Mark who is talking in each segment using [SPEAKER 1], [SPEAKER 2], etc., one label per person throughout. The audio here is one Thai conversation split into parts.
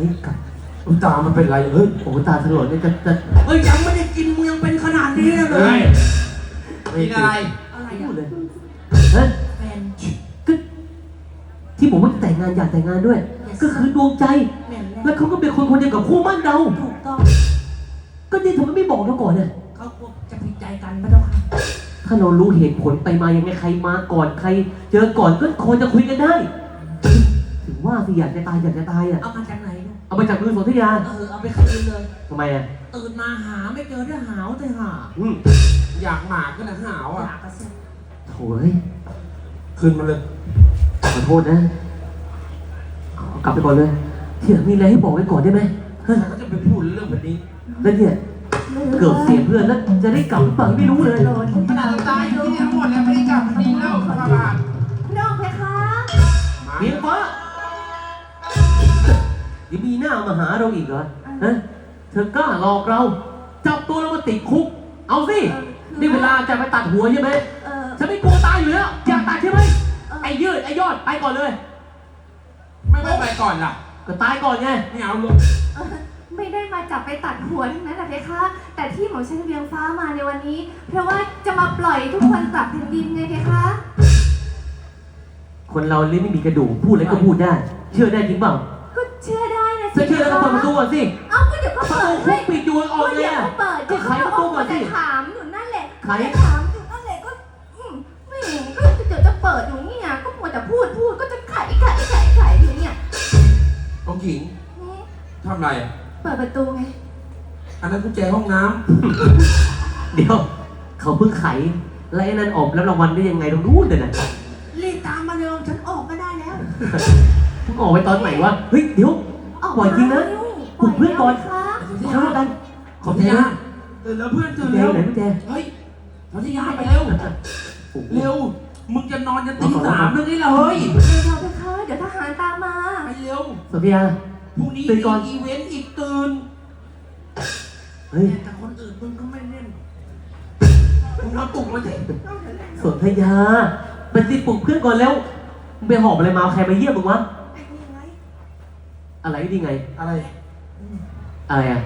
[SPEAKER 1] นี่กลับตามันเป็นไรเฮ้ยโอ้ตาถลนเนี่ยจะ
[SPEAKER 2] เฮ้ยยังไม่ได้กินมึงยังเป็นขนาดนี้เลยกินอะไรอะไรพูดเลย
[SPEAKER 1] ฮะ
[SPEAKER 2] แฟน
[SPEAKER 1] ก็ที่ผมว่าแต่งงานอยากแต่งงานด้วยก็คือดวงใจแล้วเขาก็เป็นคนคนเดียวกับคู่มั่นเรา
[SPEAKER 2] ถูกต้อง
[SPEAKER 1] ก็นี่ทำไมไม่บอกเราก่อนเนี่ย
[SPEAKER 2] เขาจะผิดใจกันไม่ต้องค่ะ
[SPEAKER 1] ถ้าเรารู้เหตุผลไปมายังไงใครมาก่อนใครเจอก่อนก็ควรจะคุยกันได้ถึงว่าสิอยากจะตายอ่ะ
[SPEAKER 2] เอามาจากไหน
[SPEAKER 1] เอามาจากมือสนธยา
[SPEAKER 2] เอาไปคืนเลย
[SPEAKER 1] ทำไมอ่ะ
[SPEAKER 2] ตื่นมาหาไม่เจอได้หาวแต่หา
[SPEAKER 3] อยากหมากก็นะหาวอ่ะ
[SPEAKER 1] โถ่เฮ้ย
[SPEAKER 3] คืนมาเลย
[SPEAKER 1] ขอโทษนะกลับไปก่อนเลยที่หลังมีอะไรให้บอกไว้ก่อนได้ไหม
[SPEAKER 3] ฉันก็จะไปพูดเรื่องแบบนี้
[SPEAKER 1] แล้วเนี่ยเกือบเสียเพื่อนแล้วจะได้กลับหรือเปล่าไม่รู้เลย
[SPEAKER 3] ขนาดตายอยู่ที่ทั้งหมดแล้วไม่ได้กลับดีแล้วพระบาท
[SPEAKER 4] น้องเพคะ
[SPEAKER 1] เมียฟ้ายังมีหน้ามาหาเราอีกเหรอฮะเธอกล้าหลอกเราจับตัวเรามาติดคุกเอาสินี่เวลาจะไปตัดหัวใช่ไหมฉันไม่กลัวตายอยู่แล้วอยากตัดใช่ไหมไอ้ยืดไอ้ยอดไปก่อนเลย
[SPEAKER 3] ไม่ไปก่อนล่ะ
[SPEAKER 1] ก็ตายก่อนไง
[SPEAKER 3] ไม่เอาลูก
[SPEAKER 4] ไม่ได้มาจับไปตัดหัวทั้งนั้นแหละเพคะแต่ที่หม่อมฉันเวียงฟ้ามาในวันนี้เพราะว่าจะมาปล่อยทุกคนกลับแผ่นดินไงเพคะ
[SPEAKER 1] คนเราลิ้นไม่มีกระดูกพูดอะไรก็พูดได้เชื่อได้จริงเปล่า
[SPEAKER 4] ก็เชื่อได้นะ
[SPEAKER 1] สิเชื่อแล้วก็เปิดประตูก่อนสิ
[SPEAKER 4] เอ้าก็เดี๋ยวก็เปิด
[SPEAKER 1] ให้ปิดอยู่ออกเลยอ่ะ
[SPEAKER 4] ก็ไขประตูก่อนสิถามอยู่นั่นแหละ
[SPEAKER 1] ไข
[SPEAKER 4] ถามอยู่นั่นแหละก็ไม่ก็เดี๋ยวจะเปิดอยู่นี่ไงก็มัวแต่พูดก็จะไขอยู่เนี่ย
[SPEAKER 3] องหญิงทำไร
[SPEAKER 4] เปิดประตูไง
[SPEAKER 3] อันนั้นกุญแจห้องน้
[SPEAKER 1] ำเดี๋ยวเขาเพิ่งไขแล้วไอ้นั่นออกแล้วรางวัลได้ยังไงตรงนู้นเลยนะ
[SPEAKER 2] รีบตามมาเร็วฉันออกก็ได้แล้ว
[SPEAKER 1] มึงออกไปตอนไหนวะเฮ้ยเดี๋ยวปล่อยจริงนะปลุกเพื่อนก่อนเข้ากันขอบใจนะ
[SPEAKER 3] ตื่นแล้วเพื่อนตื่นแล้ว
[SPEAKER 1] ไหนพี่แจ
[SPEAKER 3] เฮ้ยสนธยาไปเร็วเร็วมึงจะนอนจะตี3เรื่องนี้เลย
[SPEAKER 4] เดี๋ยวทหารตามมา
[SPEAKER 3] ไปเร็ว
[SPEAKER 1] สนธยา
[SPEAKER 3] พรุ่งนี้มีอีเวนต์อีกตื่น
[SPEAKER 1] เฮ้ย
[SPEAKER 2] แต่คนอื่นมึงก็ไม่เล่น
[SPEAKER 3] มึงนอนปลุกมาสิ
[SPEAKER 1] สนธยาไปสิปลุกเพื่อนก่อนแล้วมึงไปหอบอะไรมาใครมาเยี่ยมมึงวะอะไรนี่ไง
[SPEAKER 3] อะไร
[SPEAKER 1] อ่ะ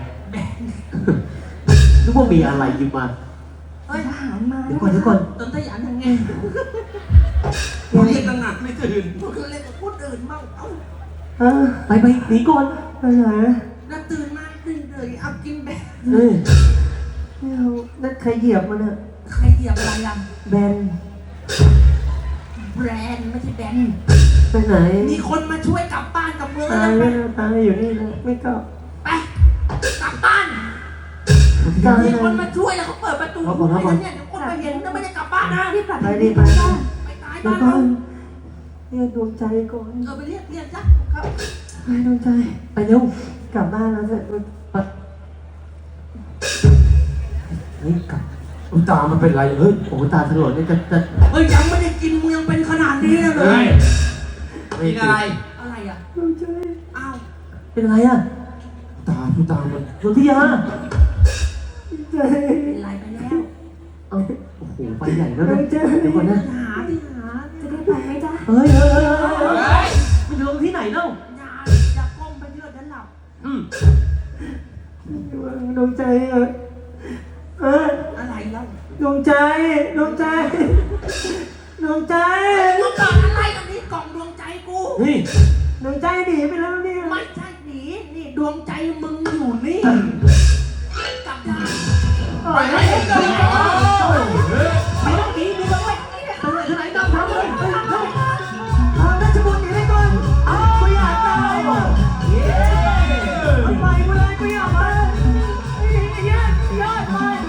[SPEAKER 1] นึกว่ามีอะไรยิบมา
[SPEAKER 4] ทหารมา
[SPEAKER 1] เดี๋ยวก่อน
[SPEAKER 2] ต้นทยานทางไง
[SPEAKER 3] มึงเรียกหนักไม่ตื่น
[SPEAKER 2] มึงเรียกกับพูดอื่นบ้าง
[SPEAKER 1] ไปหนีก่อน
[SPEAKER 4] ไปไหน
[SPEAKER 2] น่าตื่นมาตื่นเลยเอากินแบน
[SPEAKER 4] ไม่เอานั่นใครเหยียบมันอะ
[SPEAKER 2] ใครเหยียบอะไรอ่ะ
[SPEAKER 4] แบน
[SPEAKER 2] แบรนด์ไม่ใช่แบน
[SPEAKER 4] ไปไหน
[SPEAKER 2] มีคนมาช่วยกลับบ้านกับเมือง
[SPEAKER 4] ตายอยู่นี่นะไม่กลับ
[SPEAKER 2] ไปกลับบ้านมีคนมาช่วยแล้วเขาเปิดประตูให้เนี่ยเดี๋ยวคนมาเห็นแล้วไม่ได้กลับบ้านนะ
[SPEAKER 4] รีบไปตายบ้านก่อนเรียกดวงใจก่อน
[SPEAKER 2] ไปเรียกจ้ะครับ
[SPEAKER 4] ไปดวงใจ
[SPEAKER 1] ไปเร็ว
[SPEAKER 4] กลับบ้านแล้วเสร็จ
[SPEAKER 1] เฮ้ยกลับ
[SPEAKER 3] ตามันเป็นไรเฮ้ย
[SPEAKER 1] โอ้ตาถลนเนี่ยจะ
[SPEAKER 2] เฮ้ยยังไม่ได้กินมึงยังเป็นขนาดนี้เลย
[SPEAKER 3] กินอะไร
[SPEAKER 2] อ่ะ
[SPEAKER 4] ดวงใจ
[SPEAKER 2] อ้าว
[SPEAKER 1] เป็นอะไรอ่ะ
[SPEAKER 3] ตามัน
[SPEAKER 1] สนธยา
[SPEAKER 4] ใจ
[SPEAKER 2] เป็นไรไปแล้ว
[SPEAKER 1] โอ้โหไปใหญ่แล้วนะเดี๋ยวก่อนนะ
[SPEAKER 2] หา
[SPEAKER 4] จะได้ไปไหมจ๊ะ
[SPEAKER 1] เฮ้ยมันจะลงที่ไหนเล่า
[SPEAKER 2] อย่าก้มไปเยอะเดี๋ยวหลับ
[SPEAKER 4] ดวงใจ
[SPEAKER 2] อะไรเล่า
[SPEAKER 4] ดวงใจดวงใจ
[SPEAKER 2] มึงเกิดอะไรตรงนี้กล่องดวงใจกู
[SPEAKER 4] ดวงใจหนีไปแล้วเนี่ย
[SPEAKER 2] ไม่ใช่หนีนี่ดวงใจมึงอยู่นี่กลับได้
[SPEAKER 3] ไป